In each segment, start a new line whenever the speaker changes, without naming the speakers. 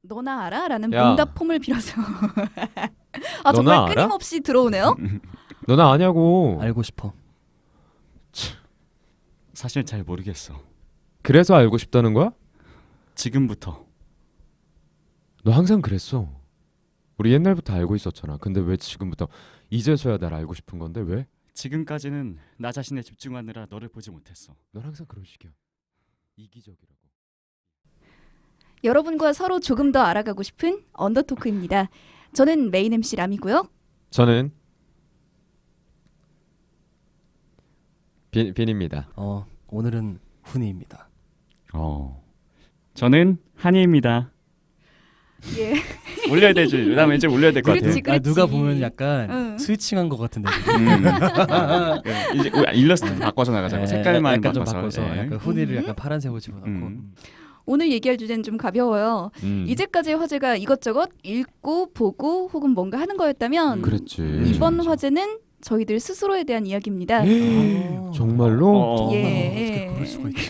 너나 알아? 라는
야.
문답폼을 빌어서 아
너나
정말
알아?
끊임없이 들어오네요.
너나 아냐고.
알고 싶어.
사실 잘 모르겠어.
그래서 알고 싶다는 거야?
지금부터.
너 항상 그랬어. 우리 옛날부터 알고 있었잖아. 근데 왜 지금부터 이제서야 날 알고 싶은 건데 왜?
지금까지는 나 자신에 집중하느라 너를 보지 못했어.
넌 항상 그런 식이야. 이기적이라고.
여러분과 서로 조금 더 알아가고 싶은 언더토크입니다. 저는 메인 MC 람이고요.
저는 빈입니다.
오늘은 훈이입니다.
저는 한이입니다.
예.
올려야 되지. 나 왠지 올려야 될 것 같아.
그렇지, 그렇지.
누가 보면 약간
응.
스위칭한 것 같은데.
이제 일러스트 바꿔서 나가자고. 색깔만
약간 좀
바꿔서.
바꿔서
예.
약간 훈이를 약간 파란색으로 집어넣고.
오늘 얘기할 주제는 좀 가벼워요. 이제까지의 화제가 이것저것 읽고 보고 혹은 뭔가 하는 거였다면
그랬지.
이번 화제는 저희들 스스로에 대한 이야기입니다.
정말로?
예.
어떻게 그럴 수가 있지?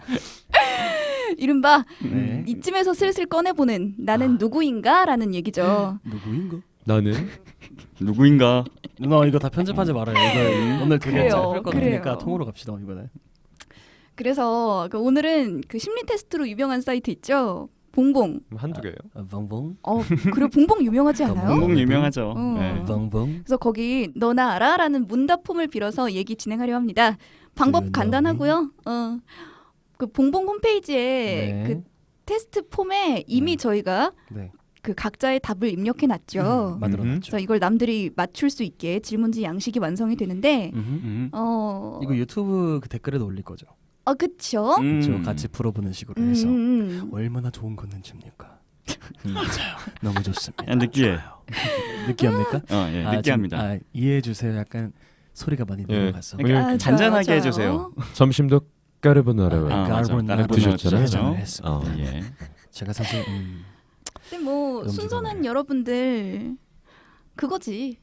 이른바
네.
이쯤에서 슬슬 꺼내보는 나는 누구인가라는 얘기죠.
누구인가?
나는
누구인가?
누나 이거 다 편집하지 말아요. 이거 오늘 되게
그래요,
짧을 것
그래요.
같으니까 통으로 갑시다 이거는.
그래서 오늘은 그 심리 테스트로 유명한 사이트 있죠. 봉봉.
한두 개예요.
봉봉.
그리고 봉봉 유명하지 않아요?
봉봉 유명하죠.
네.
봉봉.
그래서 거기 너나 알아? 라는 문답폼을 빌어서 얘기 진행하려 합니다. 방법
너나
간단하고요. 그 봉봉 홈페이지에
네.
그 테스트 폼에 이미 저희가
네.
그 각자의 답을 입력해 놨죠.
만들어놨죠.
그래서 이걸 남들이 맞출 수 있게 질문지 양식이 완성이 되는데
이거 유튜브 그 댓글에도 올릴 거죠.
그쵸?
그렇죠. 같이 풀어보는 식으로 해서
음.
얼마나 좋은 컨텐츠입니까? 맞아요. 너무 좋습니다.
느끼해.
좋아요. 느끼합니까?
예,
아,
느끼합니다.
이해해 주세요. 약간 소리가 많이
예.
늘어갔어.
그러니까 잔잔하게
좋아요.
해주세요.
점심도 까르보나라로.
맞아.
까르보나라
드셨잖아요.
제작을 했습니다.
예.
제가 사실
근데 뭐
음식은
순서는 여러분들 그거지.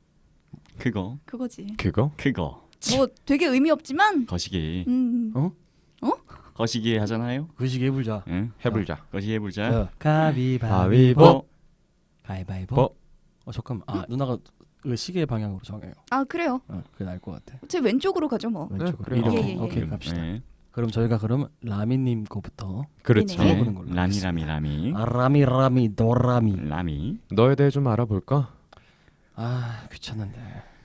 그거지.
그거?
뭐 되게 의미 없지만
거시기. 거시기 하잖아요.
그 시기 해보자.
응?
해불자.
거시기 해보자.
가위바위보. 가위바위보.
보.
잠깐만. 누나가 그 시계 방향으로 정해요.
그래요.
그게 나을 것 같아.
제 왼쪽으로 가죠 뭐.
왼쪽으로.
그래요.
이렇게.
예.
오케이 갑시다.
예.
그럼 저희가 라미님 거부터
그렇죠.
네네.
해보는 걸로.
라미.
라미 도라미.
라미.
너에 대해 좀 알아볼까?
귀찮은데.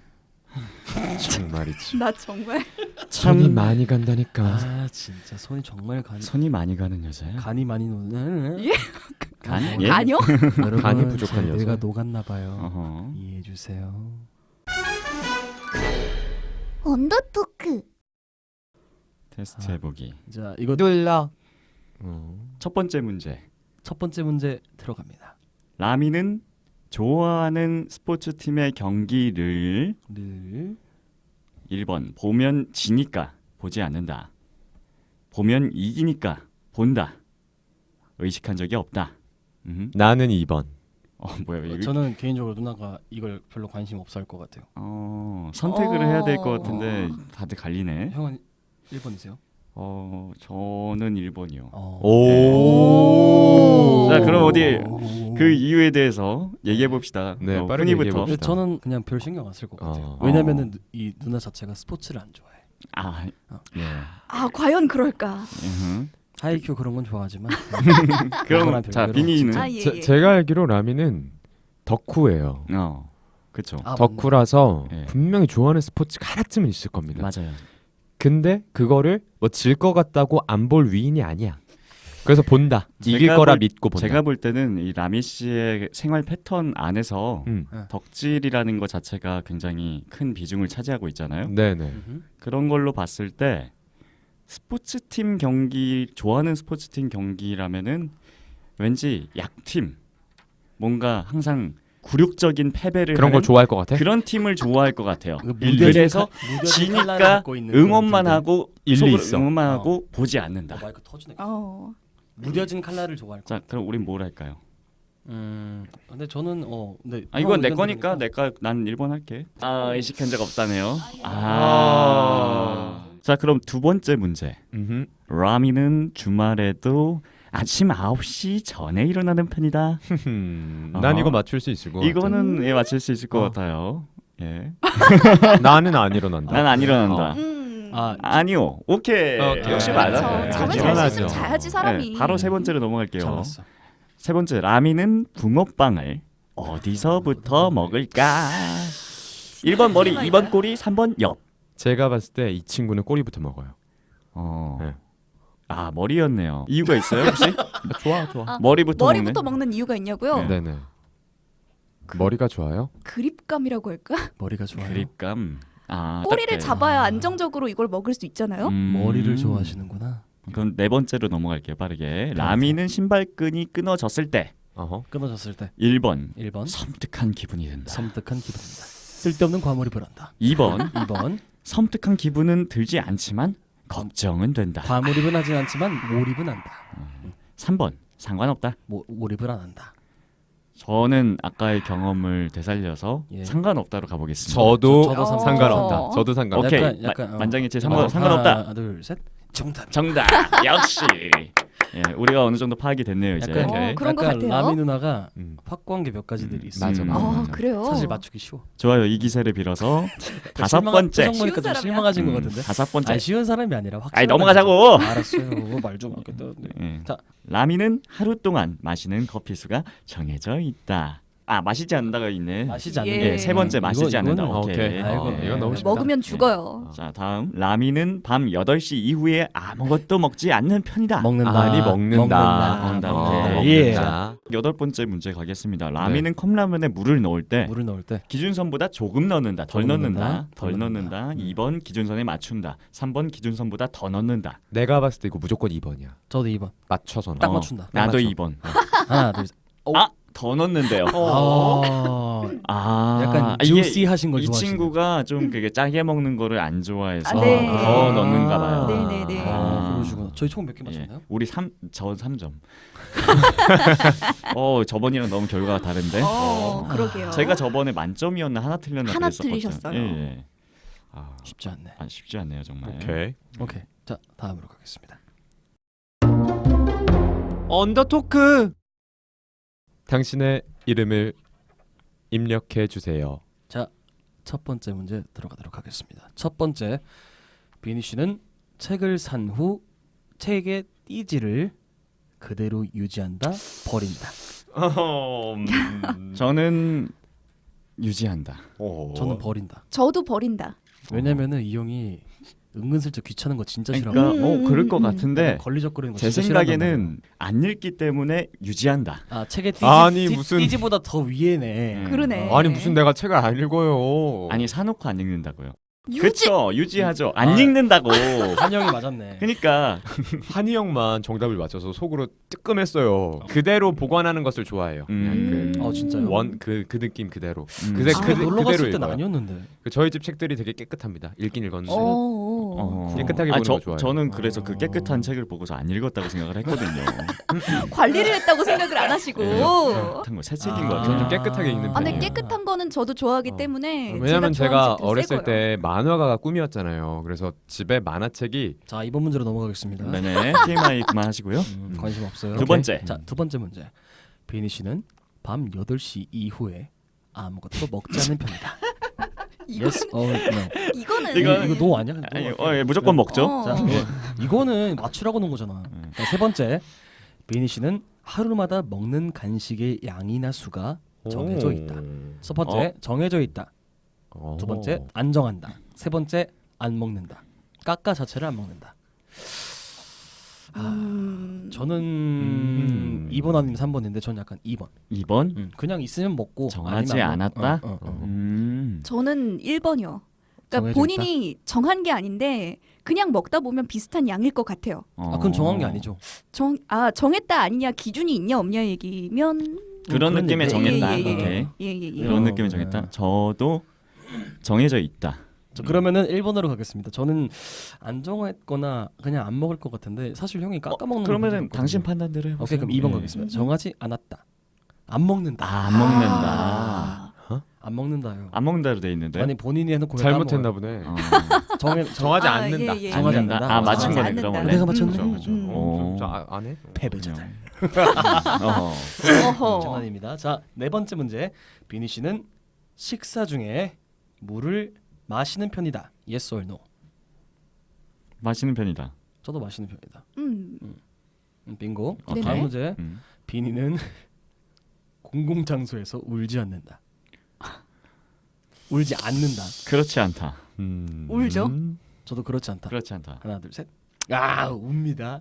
정말이지.
나 정말
손이 많이 간다니까.
진짜 손이 정말
손이 많이 가는 여자야.
간이 많이 노는.
예?
간? 예?
아니요?
여러분,
간이 부족한 여자.
내가 녹았나 봐요.
어허.
이해해 주세요.
언더토크.
테스트 해보기.
자, 이거
눌러.
첫 번째 문제.
첫 번째 문제 들어갑니다.
라미는 좋아하는 스포츠 팀의 경기를
늘
1번 보면 지니까 보지 않는다. 보면 이기니까 본다. 의식한 적이 없다.
나는 2번.
뭐야 이거?
저는 개인적으로 누나가 이걸 별로 관심 없어 할 것 같아요.
선택을 해야 될 것 같은데 다들 갈리네.
형은 1번이세요?
저는 1번이요.
오.
자, 그럼 어디 그 이유에 대해서 얘기해 봅시다.
네, 빠르게
훈이부터.
얘기해 봅시다.
저는 그냥 별 신경 안 쓸 것 같아요.
어.
왜냐면은 이 누나 자체가 스포츠를 안 좋아해.
예.
과연 그럴까?
하이큐 그런 건 좋아하지만
그럼 자, 비니는
예.
제가 알기로 라미는 덕후예요.
그렇죠.
덕후라서
네.
분명히 좋아하는 스포츠가 하나쯤은 있을 겁니다.
맞아요.
근데 그거를 뭐 질 것 같다고 안 볼 위인이 아니야. 그래서 본다. 이길
제가
거라
볼-
믿고 본다.
제가 볼 때는 이 라미 씨의 생활 패턴 안에서 덕질이라는 것 자체가 굉장히 큰 비중을 차지하고 있잖아요.
네네.
그런 걸로 봤을 때 스포츠팀 경기 좋아하는 스포츠팀 경기라면은 왠지 약팀 뭔가 항상 굴욕적인 패배를
그런 걸
하는
좋아할 것 같아?
그런 팀을 좋아할 것 같아요.
무뎌진
그래서
무뎌진 칼날을
지니까
갖고 있는
응원만
그런
하고
일리
속으로
있어.
응원만 하고 보지 않는다.
마이크 터지네.
무뎌진
무뎌진 칼날을 좋아할 것
자, 그럼 우린 뭘 할까요?
근데 저는 근데
이건 내
형
거니까
의견
난 1번 할게. 의식한 적 없다네요.
아.
자, 그럼 두 번째 문제. 라미는 주말에도 아침 9시 전에 일어나는 편이다.
난 이거 맞출 수 있을 것 같아.
이거는 예, 맞출 수 있을 것 같아요. 예.
나는 안 일어난다.
난 안 일어난다. 아니요. 오케이.
오케이.
역시
네,
맞아요.
그렇죠.
잠을
그렇죠.
잘 수 있으면
당연하죠.
자야지 사람이.
네, 바로 세 번째로 넘어갈게요.
잡았어.
세 번째, 라미는 붕어빵을 어디서부터 먹을까? 1번 머리, 2번 꼬리, 3번 옆.
제가 봤을 때 이 친구는 꼬리부터 먹어요.
네.
네.
아, 머리였네요. 이유가 있어요, 혹시?
좋아.
아,
머리부터
머리부터
먹네.
먹는 이유가 있냐고요?
네.
네네. 머리가 좋아요?
그립감이라고 할까?
머리가 좋아요.
그립감. 아,
꼬리를
딱 돼.
잡아야 안정적으로 이걸 먹을 수 있잖아요.
머리를 좋아하시는구나.
그럼 네 번째로 넘어갈게요, 빠르게. 라미는 신발끈이 끊어졌을 때
어허.
끊어졌을 때
1번
1번
섬뜩한 기분이 든다.
섬뜩한 기분입니다. 쓸데없는 과몰입을 한다.
2번
2번
섬뜩한 기분은 들지 않지만 걱정은 된다.
과몰입은 하지 않지만 몰입은 한다.
3번 상관없다.
몰입을 안 한다.
저는 아까의 경험을 되살려서
예.
상관없다로 가보겠습니다.
저도
저도
상관없다. 저도 상관없다.
오케이.
약간,
만장일치
한번
상관없다.
하나 둘 셋. 정답.
정답. 역시. 예, 우리가 어느 정도 파악이 됐네요 이제.
약간,
오케이.
그런 것
약간
같아요.
라미 누나가
음.
확고한 게 몇 가지들이 있어.
맞아, 맞아,
아
맞아.
그래요?
사실 맞추기 쉬워.
좋아요. 이 기세를 빌어서 다섯 번째.
표정 보니까 좀
쉬운
실망하신 것
음,
같은데.
다섯 번째.
아니 쉬운 사람이 아니라 확.
아니 넘어가자고.
알았어요. 말 좀 하겠다.
예.
자.
라미는 하루 동안 마시는 커피 수가 정해져 있다. 아 마시지 않는다가 있네.
마시지 않는.
예,
세 번째 마시지 않는다.
이거는
오케이.
아이고,
이건 너무 쉽다.
먹으면 죽어요.
자 다음 라미는 밤 8시 이후에 아무것도 먹지 않는 편이다.
먹는다.
아니 먹는다.
먹는다.
어,
오케이.
먹는다.
여덟 번째 문제 가겠습니다. 라미는 컵라면에 물을 넣을 때
물을 넣을 때
기준선보다 조금 넣는다. 덜
조금
넣는다.
넣는다.
덜
덜
넣는다.
넣는다.
2번 기준선에 맞춘다. 3번 기준선보다 더 넣는다.
내가 봤을 때 이거 무조건 2번이야.
저도 2번.
맞춰서
딱
넣어.
맞춘다.
나도
맞춰.
2번.
하나 둘 셋.
아, 더 넣는데요. 아,
약간
이게
주시하신 걸
이
좋아하시는.
친구가 좀 그게 짜게 먹는 거를 안 좋아해서
아, 네.
더 넣는가 봐요.
네네네.
그러시구나. 저희 총 몇 개
예.
맞췄나요?
우리 저 3점. 저번이랑 너무 결과가 다른데.
그러게요.
제가 저번에 만점이었나 하나 틀렸나
하나
그랬었거든요.
틀리셨어요.
예.
아,
쉽지 않네.
쉽지 않네요, 정말.
오케이.
오케이. 자 다음으로 가겠습니다.
언더토크. 당신의 이름을 입력해 주세요.
첫 번째 문제 들어가도록 하겠습니다. 첫 번째, 비니 씨는 책을 산 후 책의 띠지를 그대로 유지한다, 버린다.
저는 유지한다.
저는 버린다.
저도 버린다.
왜냐면은 이 형이 은근슬쩍 귀찮은 거 진짜
그러니까
싫어하고
그럴 것 같은데
걸리적거리는 거
제
진짜 싫어한단
생각에는 안 읽기 때문에 유지한다.
말이야. 책의 띠지,
아니, 무슨-
띠지보다 더 위에네.
그러네.
아니 무슨 내가 책을 안 읽어요.
아니 사놓고 안 읽는다고요.
유지.
그렇죠. 유지하죠. 안
아.
읽는다고.
한영이 맞았네.
그러니까
한이 형만 정답을 맞춰서 속으로 뜨끔했어요. 그대로 보관하는 것을 좋아해요.
음.
진짜요?
그 느낌 그대로.
음.
그새
집에 놀러 갔을
그대로
때는
읽어요.
아니었는데.
저희 집 책들이 되게 깨끗합니다. 읽긴 읽었는데. 깨끗하게 보는 거 좋아해요.
저는 그래서 그 깨끗한 책을 보고서 안 읽었다고 생각을 했거든요.
관리를 했다고 생각을 안 하시고.
깨끗한 거 새 책인 거
저는 좀
같아요.
깨끗하게 읽는
아, 근데
편이에요.
깨끗한 거는 저도 좋아하기 때문에.
왜냐면 제가
좋아하는 책들
어렸을
새 거요.
때 만화가가 꿈이었잖아요. 그래서 집에 만화책이
자 이번 문제로 넘어가겠습니다.
네네. TMI 그만하시고요.
관심 없어요.
두 번째.
자, 두 번째 문제. 비니 씨는 밤 8시 이후에 아무것도 먹지 않는 편이다. yes or no.
이거는
이거-
이거 노 아니야?
아니,
노.
예, 무조건 먹죠.
어.
자, 이거는 맞추라고 놓은 거잖아. 자, 세 번째. 비니 씨는 하루마다 먹는 간식의 양이나 수가 정해져 있다. 첫 번째, 정해져 있다. 두 번째, 안 정한다. 세 번째, 안 먹는다. 까까 자체를 안 먹는다. 저는 2번 아니면 3번인데 전 약간 2번.
2번
그냥 있으면 먹고
정하지
아니면 안
않았다.
먹-
저는 1번이요. 그러니까
정해져
본인이 정한 게 아닌데 그냥 먹다 보면 비슷한 양일 것 같아요.
그건 정한 게 아니죠.
정했다 아니냐 기준이 있냐 없냐 얘기면
그런
그런
느낌의
얘기.
정했다.
예, 예,
오케이.
예예예.
그런
어,
느낌의
네.
정했다. 저도 정해져 있다.
그러면은 1번으로 가겠습니다. 저는 안 정했거나 그냥 안 먹을 것 같은데 사실 형이 깎아 먹는
그러면은
거
당신 판단대로 해보세요.
오케이 그럼 2번
예.
가겠습니다. 정하지 않았다. 안 먹는다.
안 먹는다.
안 먹는다요.
안 먹는다로 돼 있는데.
아니 본인이 해놓고 왜
잘못했나
까먹어요?
보네.
정하지
아,
않는다.
예, 예.
정하지
않는다.
않는다.
아 맞춘
정하지
거네
않는다.
그럼 원래.
내가 맞췄네.
그렇죠, 그렇죠.
오.
안 해?
패배자들.
어허.
장난입니다. 자, 네 번째 문제. 비니 씨는 식사 중에 물을 마시는 편이다. Yes or no?
마시는 편이다.
저도 마시는 편이다. 빙고.
네네.
다음 문제.
음.
비니는 공공 장소에서 울지 않는다. 울지 않는다.
그렇지 않다.
울죠?
저도 그렇지 않다.
그렇지 않다.
하나 둘 셋. 아 웁니다.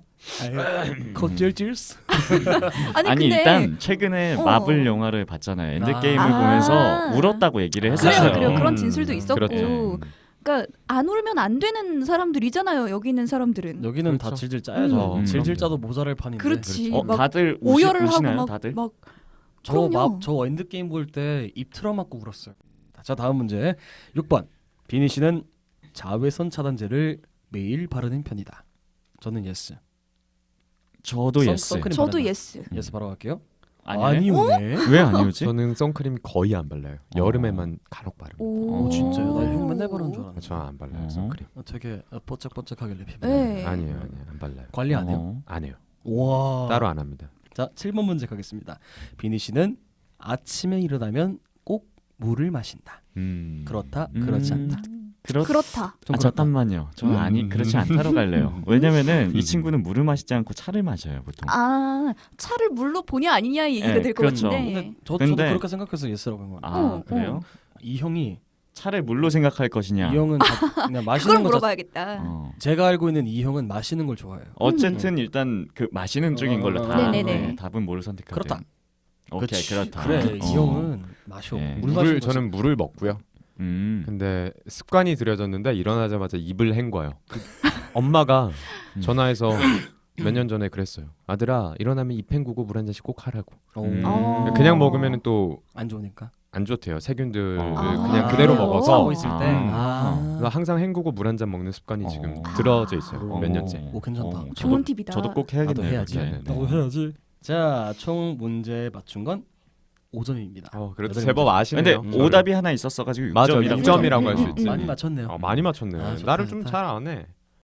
컷질질스.
아니,
아니
근데
일단 최근에
어.
마블 영화를 봤잖아요. 엔드게임을
아.
보면서 울었다고 얘기를 했었어요.
그래요. 그런
음.
진술도 있었고.
그렇죠.
그러니까 안 울면 안 되는 사람들이잖아요. 여기 있는 사람들은.
여기는 다
그렇죠.
질질 짜야죠.
음.
질질 짜도 모자랄 판인데.
그렇지.
그렇죠.
막
다들
오열을
우시나요?
하고
다들?
막 그럼요.
저 엔드게임 볼 때 입 틀어맞고 울었어요. 자 다음 문제 6번. 비니 씨는 자외선 차단제를 매일 바르는 편이다. 저는 예스.
저도 예스.
선크림
저도
바른다.
예스.
예스 바로 갈게요.
아니네?
아니오네.
왜 아니오지?
저는 선크림 거의 안 발라요. 여름에만 간혹 바릅니다.
오,
진짜요? 나 형 맨날
오.
바르는 줄 알았는데.
저안 발라요
어.
선크림.
되게 번쩍번쩍하길래 피부.
네.
아니에요, 안 발라요.
관리 안 해요?
어.
안 해요.
와.
따로 안 합니다.
자 7번 문제 가겠습니다. 비니 씨는 아침에 일어나면 꼭 물을 마신다. 그렇다. 그렇지 않다.
그렇다.
좀
아
그렇다.
잠깐만요. 저는 아니 그렇지 않다로 갈래요. 왜냐면은 이 친구는 물을 마시지 않고 차를 마셔요 보통.
아 차를 물로 보냐 아니냐 얘기가
네,
될 것
그렇죠.
같은데.
근데 저도
근데-
그렇게 생각해서 예스라고 한 거예요.
아 그래요?
이 형이
차를 물로 생각할 것이냐.
이 형은 그냥 마시는
그걸
거
물어봐야겠다.
제가 알고 있는 이 형은 마시는 걸 좋아해요.
어쨌든 일단 그 마시는 쪽인 걸로 다
네네네.
네, 답은 뭐를 선택하죠?
그렇다.
오케이
그치.
그렇다.
그래 이 형은 마셔.
네.
물 마시는 거지.
저는 물을 먹고요. 근데 습관이 들여졌는데 일어나자마자 입을 헹궈요. 엄마가 전화해서 몇 년 전에 그랬어요. 아들아 일어나면 입 헹구고 물 한 잔씩 꼭 하라고.
어.
그냥 먹으면 또
안 좋으니까.
안 좋대요. 세균들을
아,
그냥 그대로
그래요?
먹어서.
하고 있을 때.
그래서 항상 헹구고 물 한 잔 먹는 습관이 지금
어.
들어져 있어요. 몇 년째.
오 괜찮다.
어,
좋은 팁이다.
저도 꼭
나도
해야겠네요.
해야지.
그렇게.
나도
해야지. 자, 총 문제 맞춘 건 5점입니다.
그래도
여덟
제법
문제.
아시네요.
근데 오답이 하나 있었어가지고
맞아
6점이라고.
6점이라고 할 수 있지.
많이 맞췄네요.
많이 맞췄네.
아, 좋다,
나를 좀
좋다.
잘 안 해.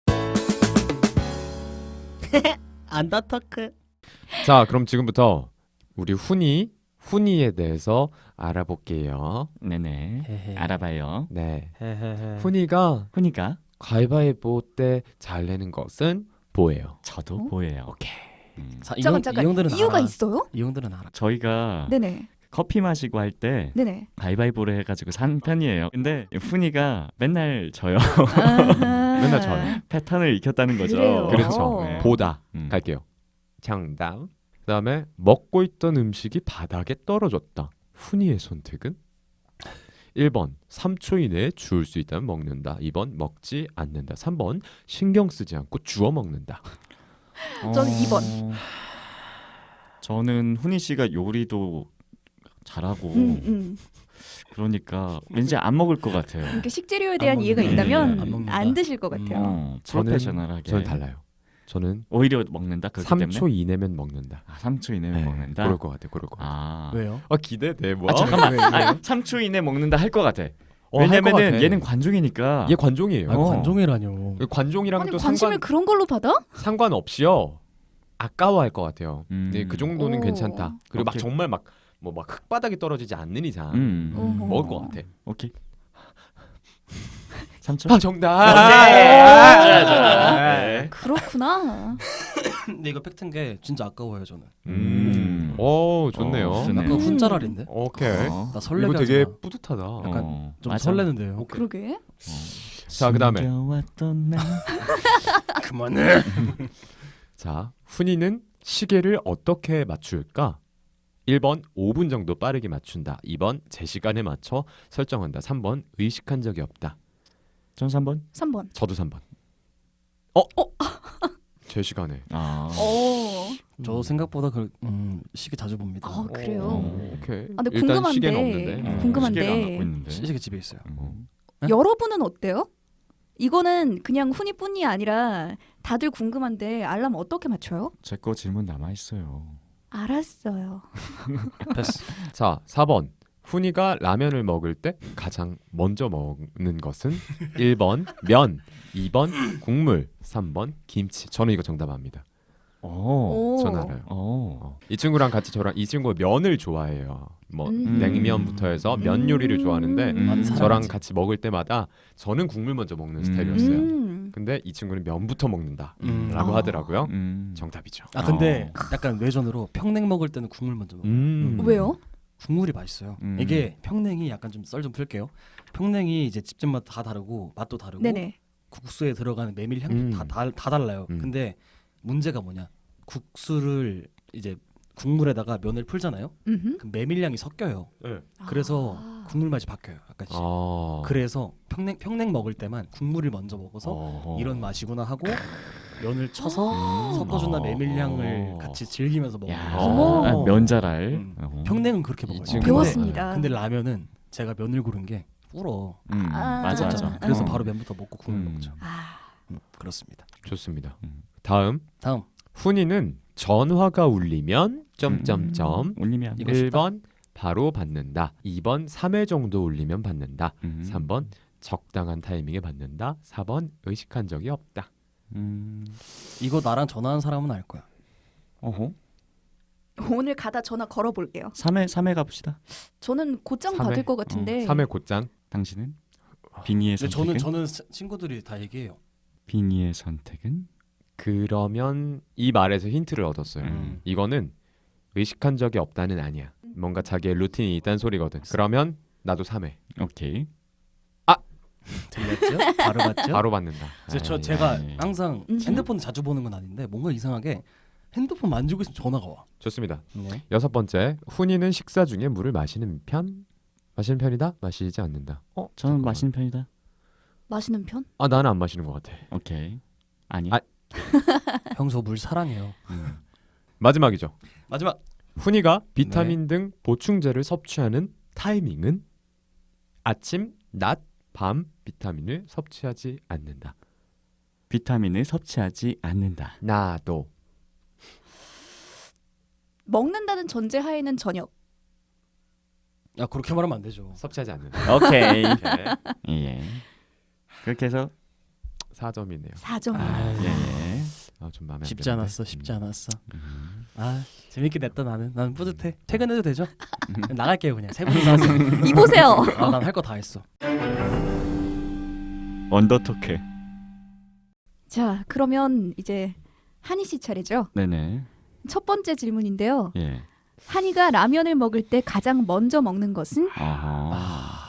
안다터크.
자, 그럼 지금부터 우리 훈이에 대해서 알아볼게요.
네네. 알아봐요.
네.
헤헤헤.
훈이가
훈이가
가위바위보 때 잘 내는 것은 뭐예요?
저도
어?
보여요.
오케이.
자,
잠깐
이 형들은
이유가
알아.
있어요?
이 형들은 알아.
저희가
네네.
커피 마시고 할 때
네네.
가위바위보를 해가지고 산 편이에요. 근데 훈이가 맨날 져요.
맨날 져요.
패턴을 익혔다는 거죠.
그래요.
그렇죠.
네.
보다
음.
갈게요. 정답. 그다음에 먹고 있던 음식이 바닥에 떨어졌다. 훈이의 선택은 1번 3초 이내에 주울 수 있다면 먹는다. 2번 먹지 않는다. 3번 신경 쓰지 않고 주워 먹는다.
저는 2번.
저는 훈이 씨가 요리도 잘하고 그러니까 왠지 안 먹을 것 같아요.
그러니까 식재료에 대한
안
이해가
먹는다.
있다면
안 먹는다.
안 드실 것 같아요.
프로페셔널하게.
저는 달라요. 저는
오히려 먹는다. 그렇기
3초
때문에.
이내면 먹는다.
3초 이내면 먹는다.
그럴 것 같아. 그럴 것 같아.
아.
왜요?
기대돼. 뭐?
잠깐만. 3초 이내 먹는다 할 것 같아.
할것
왜냐면은
같아.
얘는 관중이니까.
얘 관종이에요.
아, 관종이라뇨.
관종이랑
아니
또
관심을 그런 걸로 받아?
상관없이요. 아까워할 것 같아요.
음.
네, 그 정도는
오.
괜찮다. 그리고 막
오케이.
정말 막 흙바닥이 떨어지지 않는 이상
어허.
먹을 것 같아.
오케이. 3초.
정답.
네.
그렇구나.
근데 이거 팩트인 게 진짜 아까워요 저는.
오, 좋네요.
좋네.
약간 훈자랄인데.
오케이.
나 설레게
이거 되게
하지 마.
뿌듯하다.
약간 좀
맞아.
설레는데요.
그러게.
자, 그다음에.
숨겨왔던 날.
그만해.
자, 훈이는 시계를 어떻게 맞출까? 1번 5분 정도 빠르게 맞춘다. 2번 제 시간에 맞춰 설정한다. 3번 의식한 적이 없다.
전 3번.
3번.
저도 3번. 제 시간에.
아.
저 생각보다 시계 자주 봅니다.
아, 그래요?
오케이.
근데
일단
궁금한데.
시계는 없는데.
궁금한데.
시계가 안 갖고 있는데.
시계 집에 있어요. 네?
여러분은 어때요? 이거는 그냥 훈이뿐이 아니라 다들 궁금한데 알람 어떻게 맞춰요?
제 거 질문 남아 있어요.
알았어요.
패스.
자, 4번. 훈이가 라면을 먹을 때 가장 먼저 먹는 것은 1번 면, 2번 국물, 3번 김치. 저는 이거 정답합니다.
오.
전 알아요.
오.
이 친구랑 같이 저랑 이 친구가 면을 좋아해요. 뭐
음.
냉면부터 해서 면 요리를 좋아하는데
많은
저랑
사람이지.
같이 먹을 때마다 저는 국물 먼저 먹는 스타일이었어요. 근데 이 친구는 면부터 먹는다라고
아.
하더라고요. 정답이죠.
아 근데 약간 외전으로 평냉 먹을 때는 국물 먼저 먹어요.
왜요?
국물이 맛있어요. 이게 평냉이 약간 좀 썰 좀 풀게요. 평냉이 이제 집집마다 다 다르고 맛도 다르고
네네.
국수에 들어가는 메밀 향도 다 달라요. 근데 문제가 뭐냐? 국수를 이제 국물에다가 면을 풀잖아요.
음흠.
그 메밀향이 섞여요.
네.
그래서
아.
국물 맛이 바뀌어요. 약간씩. 그래서 평냉 먹을 때만 국물을 먼저 먹어서 이런 맛이구나 하고 면을 쳐서 섞어준다 메밀향을 같이 즐기면서 먹는
야,
어머.
아, 면자랄.
평냉은 그렇게 먹어요.
친구는
배웠습니다.
근데 라면은 제가 면을 고른 게 불어.
맞아
그렇죠?
맞아.
그래서 바로 면부터 먹고 국물 먹죠.
아.
그렇습니다.
좋습니다. 다음
다음
훈이는 전화가 울리면 점점점
울리면
이거 쉽다.
1번 바로 받는다. 2번 3회 정도 울리면 받는다. 3번 적당한 타이밍에 받는다. 4번 의식한 적이 없다.
이거 나랑 전화한 사람은 알 거야.
어허.
오늘 가다 전화 걸어볼게요.
3회 가봅시다.
저는 곧장
삼회?
받을 것 같은데.
3회 곧장.
당신은 비니의
근데
선택은
저는 친구들이 다 얘기해요.
비니의 선택은
그러면 이 말에서 힌트를 얻었어요. 이거는 의식한 적이 없다는 아니야. 뭔가 자기의 루틴이 있다는 소리거든. 그러면 나도 3회.
오케이.
들렸죠? 바로 봤죠?
바로 받는다.
제가
아이.
항상 핸드폰 자주 보는 건 아닌데 뭔가 이상하게 핸드폰 만지고 있으면 전화가 와.
좋습니다.
네.
6번째. 훈이는 식사 중에 물을 마시는 편? 마시는 편이다? 마시지 않는다.
저는
잠깐만.
마시는 편이다.
마시는 편?
나는 안 마시는 것 같아.
오케이. 아니.
아.
형 저 물 사랑해요.
마지막이죠.
마지막.
훈이가 비타민 등 보충제를 섭취하는 타이밍은 아침, 낮, 밤 비타민을 섭취하지 않는다.
비타민을 섭취하지 않는다.
나도.
먹는다는 전제 하에는 저녁.
야 그렇게 말하면 안 되죠.
섭취하지 않는다.
오케이.
오케이.
예. 그렇게 해서
4점이네요.
4점.
예.
좀 마음에 안
쉽지
드는데.
않았어. 쉽지 않았어. 아 재밌게 냈다 나는 뿌듯해. 퇴근해도 되죠? 나갈게요 그냥. 세 분이서 하세요.
이보세요.
난 할 거 다 했어.
언더토크.
자, 그러면 이제 한희 씨 차례죠.
네네.
첫 번째 질문인데요.
예.
한이가 라면을 먹을 때 가장 먼저 먹는 것은?
아하.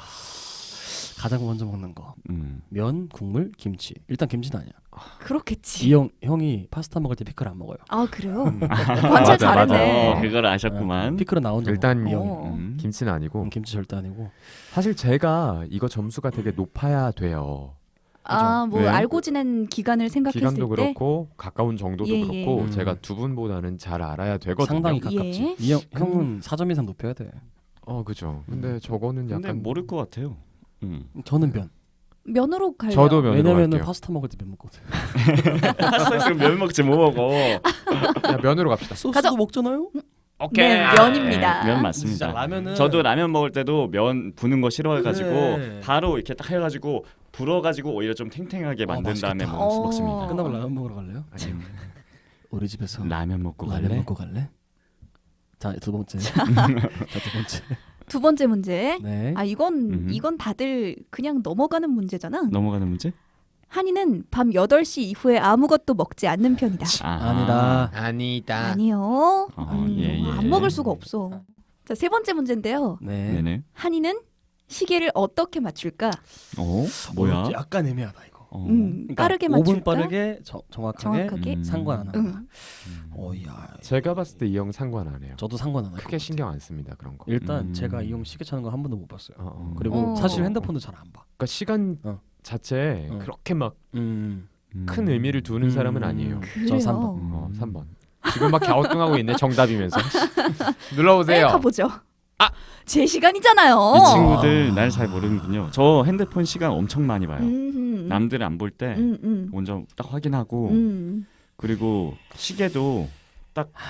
가장 먼저 먹는 거. 면, 국물, 김치. 일단 김치는 아니야.
그렇겠지.
이 형이 파스타 먹을 때 피클 안 먹어요.
아 그래요?
맞아,
관찰 잘했네.
그걸 아셨구만.
피클은 나 혼자
일단
먹어. 이 형이.
어.
김치는 아니고
김치 절대 아니고.
사실 제가 이거 점수가 되게 높아야 돼요.
아, 뭐
왜?
알고 지낸 기간을 생각했을
기간도
때
그렇고 가까운 정도도
예,
그렇고
예.
제가 두 분보다는 잘 알아야 되거든요.
상당히 가깝지.
예.
이 형은 4점 이상 높여야 돼.
그죠. 근데 저거는
근데
약간
모를 것 같아요.
저는 면.
면으로 갈래요.
저도 면으로
왜냐면은
갈게요.
파스타 먹을 때 면 먹거든.
파스타에서 면 먹지 뭐 먹어.
야, 면으로 갑시다.
소스도
가자.
먹잖아요.
네, 면입니다.
면 맞습니다.
진짜 라면은
저도 라면 먹을 때도 면 부는 거 싫어해가지고
그래.
바로 이렇게 딱 해가지고 불어가지고 오히려 좀 탱탱하게 만든 다음에
맛있겠다.
먹습니다.
끝나고 라면 먹으러 갈래요? 우리 집에서
라면 먹고
라면
갈래?
먹고 갈래? 자, 두 번째. 자, 두 번째.
두 번째 문제.
네.
아 이건 다들 그냥 넘어가는 문제잖아.
넘어가는 문제?
한이는 밤 8시 이후에 아무것도 먹지 않는 편이다.
아니다.
아니다.
아니요.
예.
안 먹을 수가 없어. 자, 세 번째 문제인데요.
네.
네네.
한이는 시계를 어떻게 맞출까?
뭐야?
약간 애매하다 이거. 그러니까
빠르게
5분
맞출까?
빠르게 정확하게
정확하게?
상관 안 한다.
응.
어이야.
제가 봤을 때 이 형 상관 안 해요.
저도 상관 안 해요.
크게 신경 안 씁니다 그런 거.
일단 제가 이 형 시계 차는 거 한 번도 못 봤어요. 그리고
어.
사실 핸드폰도 잘 안 봐.
그러니까 시간 자체에 그렇게 막 큰 의미를 두는 사람은 아니에요.
그래요.
저 3번.
3번. 지금 막 갸우뚱하고 있네 정답이면서. 눌러보세요.
가보죠. 제 시간이잖아요.
이 친구들 날 잘 모르는군요. 저 핸드폰 시간 엄청 많이 봐요. 남들 안 볼 때 먼저 딱 확인하고 그리고 시계도 딱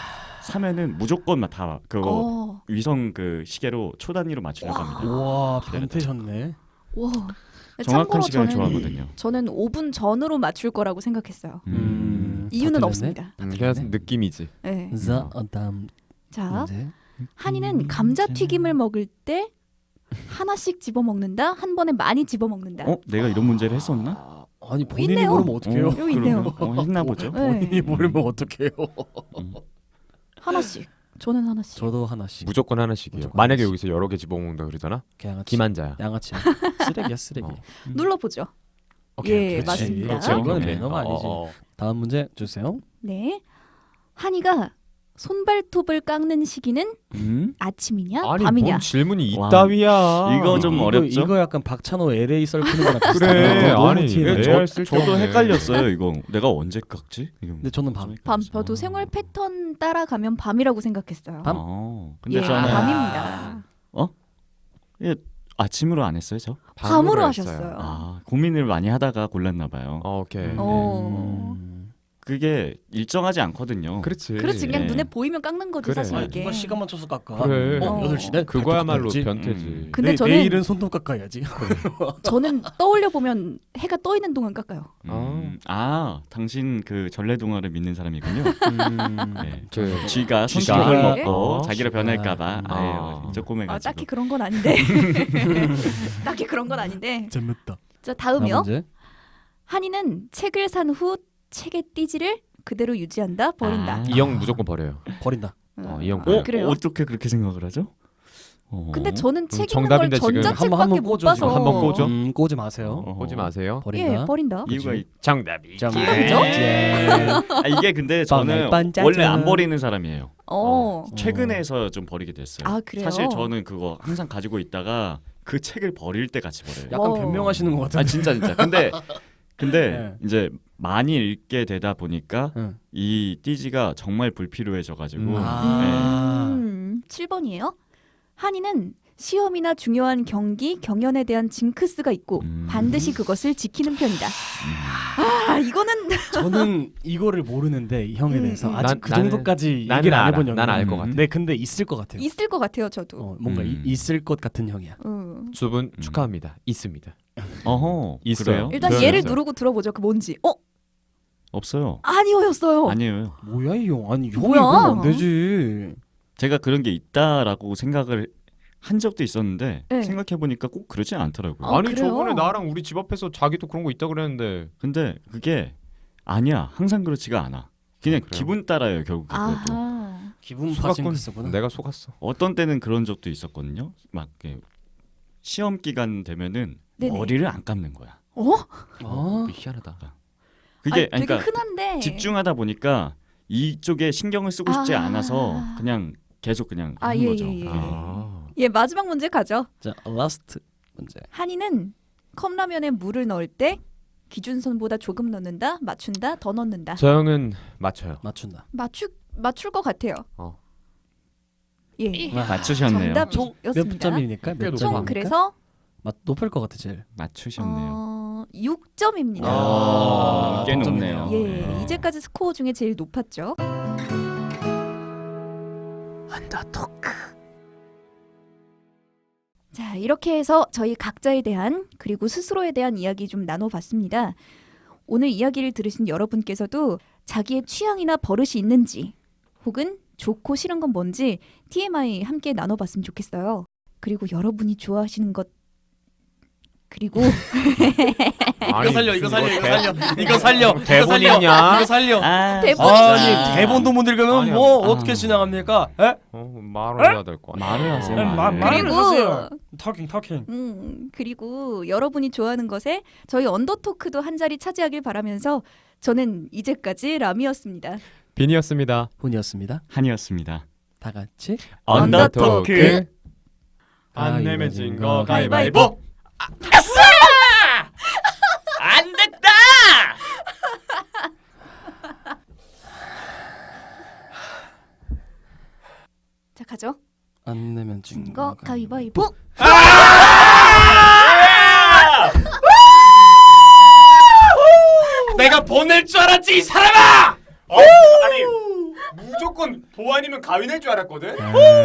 사면은 무조건 다 그거
어.
위성 그 시계로 초 단위로 맞추려고 합니다.
와 변태셨네.
와.
정확한
참고로
시간을
저는
좋아하거든요.
저는 5분 전으로 맞출 거라고 생각했어요. 이유는
다
없습니다.
그냥 느낌이지.
네.
자 다음
자,
문제.
한이는 감자튀김을 먹을 때 하나씩 집어 먹는다. 한 번에 많이 집어 먹는다.
내가 이런 문제를 했었나?
아니 본인이
있네요.
모르면 어떡해요?
여기 있네요.
했나 보죠.
네.
본인이 모르면 어떡해요?
하나씩. 저는 하나씩.
저도 하나씩.
무조건 하나씩이요.
무조건
만약에
하나씩.
여기서 여러 개 집어먹는다 그러잖아.
양아치.
기만자야.
양아치야. 쓰레기야 쓰레기.
어.
눌러보죠.
오케이,
예,
그렇지.
맞습니다.
그렇지, 오케이,
이건
오케이.
매너가 아니지. 다음 문제 주세요.
네. 한이가 손발톱을 깎는 시기는 아침이냐
아니
밤이냐?
뭔 질문이
와,
이따위야.
이거 좀 어렵죠?
이거 약간 박찬호 LA 썰푸는 거랑 비슷하네.
그래.
너무
아니
티네.
레알 쓸데없네.
저도 헷갈렸어요. 이거 내가 언제 깎지?
근데 저는 밤.
밤. 저도 생활 패턴 따라가면 밤이라고 생각했어요.
밤?
근데
예,
저는
밤입니다.
아침으로 안 했어요, 저?
밤으로
했어요.
하셨어요.
고민을 많이 하다가 골랐나 봐요.
오케이.
어.
그게 일정하지 않거든요.
그렇지.
그렇지 그냥
네.
눈에 보이면 깎는 거지
그래.
사실
아니,
이게.
누가 시간 맞춰서 깎아.
그래.
8시네?
그거야말로
발톱 깎지?
변태지.
근데 저는
내일은 손톱 깎아야지.
저는 떠올려 보면 해가 떠 있는 동안 깎아요.
당신 그 전래동화를 믿는 사람이군요. 네.
그
쥐가
쥐가.
손톱을
네.
먹고
쥐가.
자기를 변할까봐
아.
쪼꼬매가지고.
딱히 그런 건 아닌데. 딱히 그런 건 아닌데.
재밌다.
자 다음이요.
문제.
한이는 책을 산 후 책의 띠지를 그대로 유지한다 버린다.
이 형 무조건 버려요.
버린다.
이 형.
그래요?
어떻게 그렇게 생각을 하죠?
근데 저는 책 읽는 걸
정답인데 지금
전자책밖에
한번
못
꽂아줘.
봐서.
한번 꽂아.
꽂지 마세요.
보지 마세요.
버린다.
예, 버린다.
이유가
정답이.
그죠?
이게 근데 저는
반짝반짝.
원래 안 버리는 사람이에요.
어.
최근에서 좀 버리게 됐어요.
아, 그래요?
사실 저는 그거 항상 가지고 있다가 그 책을 버릴 때 같이 버려요.
약간
어.
변명하시는 것 같은데.
진짜. 근데
네.
이제 많이 읽게 되다 보니까
응.
이 띠지가 정말 불필요해져가지고 네.
7번이에요. 한이는 시험이나 중요한 경기, 경연에 대한 징크스가 있고 반드시 그것을 지키는 편이다. 이거는
저는 이거를 모르는데 이 형에 대해서 아직 그
나는-
정도까지
나는
얘기를 안
알아.
해본 형이야.
난 알 것 같아.
네, 근데 있을 것 같아요.
있을 것 같아요, 저도.
뭔가 있을 것 같은 형이야.
두 분 축하합니다. 있습니다.
어허
있어요.
그래요?
일단
그래요?
얘를
있어요.
누르고 들어보죠. 그 뭔지.
없어요.
아니오였어요.
아니에요.
뭐야 이 형? 아니 형이
뭐야?
그러면 안 되지.
제가 그런 게 있다라고 생각을 한 적도 있었는데
네.
생각해 보니까 꼭 그러지 않더라고요.
아,
아니
그래요?
저번에 나랑 우리 집 앞에서 자기도 그런 거 있다 그랬는데.
근데 그게 아니야. 항상 그렇지가 않아. 그냥
그래요?
기분 따라요 결국 그것도.
아하.
기분
속았군.
파싱크스구나.
내가 속았어.
어떤 때는 그런 적도 있었거든요. 막 이렇게 시험 기간 되면은
네네.
머리를 안 감는 거야.
아,
희한하다.
그게
되게
그러니까
흔한데.
집중하다 보니까 이쪽에 신경을 쓰고 싶지
아.
않아서 그냥 계속 그냥
아,
하는
예,
거죠.
예, 예.
아.
예, 마지막 문제 가죠.
자 라스트 문제.
한이는 컵라면에 물을 넣을 때 기준선보다 조금 넣는다, 맞춘다, 더 넣는다.
저 형은 맞춰요.
맞춘다.
맞출 것 같아요. 예.
맞추셨네요.
정답.
총 몇
였습니다.
점입니까? 몇
총
총
점입니까?
그래서
높을 것 같아 제일.
맞추셨네요.
6점입니다.
꽤
동점이네요.
높네요.
예, 이제까지 스코어 중에 제일 높았죠. 언더토크. 자, 이렇게 해서 저희 각자에 대한 그리고 스스로에 대한 이야기 좀 나눠봤습니다. 오늘 이야기를 들으신 여러분께서도 자기의 취향이나 버릇이 있는지 혹은 좋고 싫은 건 뭔지 TMI 함께 나눠봤으면 좋겠어요. 그리고 여러분이 좋아하시는 것 그리고
아니,
이거 살려.
대본이 있냐?
이거 살려.
대본이지.
아니 대본도 못 읽으면
아니야.
뭐 어떻게 진행합니까? 에?
말을 해야 될 거.
말을 하세요.
말을
그리고
하세요. 터킹.
그리고 여러분이 좋아하는 것에 저희 언더토크도 한 자리 차지하길 바라면서 저는 이제까지 라미였습니다.
빈이었습니다.
훈이었습니다.
한이었습니다.
다 같이
언더토크.
안 내면 진 거
가위바위보.
안 됐다.
자, 가죠.
안 내면 진
거
거
가위바위보.
내가 보낼 줄 알았지 이 사람아! 아니 무조건 무조건 보안이면 가윈할 줄 알았거든.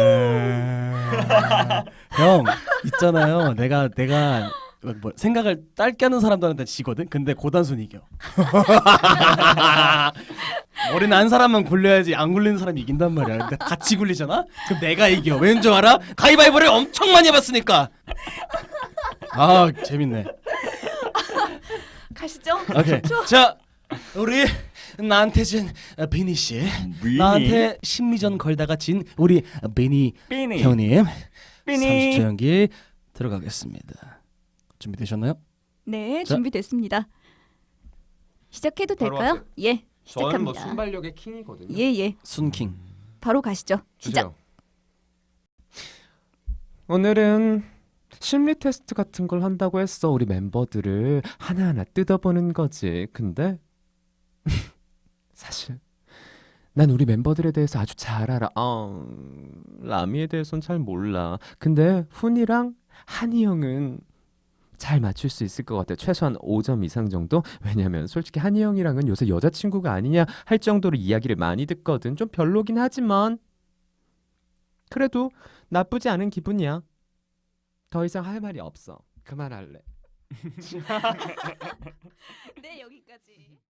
형 있잖아요. 내가 뭐 생각을 짧게 하는 사람들한테 지거든. 근데 고단순 이겨. 머리 난 사람만 굴려야지 안 굴리는 사람이 이긴단 말이야. 근데 같이 굴리잖아. 그럼 내가 이겨. 왠 줄 알아? 가위바위보를 엄청 많이 해봤으니까. 아 재밌네.
가시죠.
오케이. 자 우리 나한테 진 비니 씨, 나한테 심리전 걸다가 진 우리 비니 형님. 30초 연기 들어가겠습니다. 준비되셨나요?
네,
자.
준비됐습니다. 시작해도
바로
될까요?
하세요.
예,
저는 뭐
시작합니다.
순발력의 킹이거든요.
예.
순킹.
바로 가시죠. 시작.
주세요. 오늘은 심리 테스트 같은 걸 한다고 했어. 우리 멤버들을 하나하나 뜯어보는 거지. 근데 사실 난 우리 멤버들에 대해서 아주 잘 알아. 라미에 대해서는 잘 몰라. 근데 훈이랑 한이 형은 잘 맞출 수 있을 것 같아. 최소한 5점 이상 정도? 왜냐면 솔직히 한이 형이랑은 요새 여자친구가 아니냐 할 정도로 이야기를 많이 듣거든. 좀 별로긴 하지만 그래도 나쁘지 않은 기분이야. 더 이상 할 말이 없어. 그만할래.
네, 여기까지.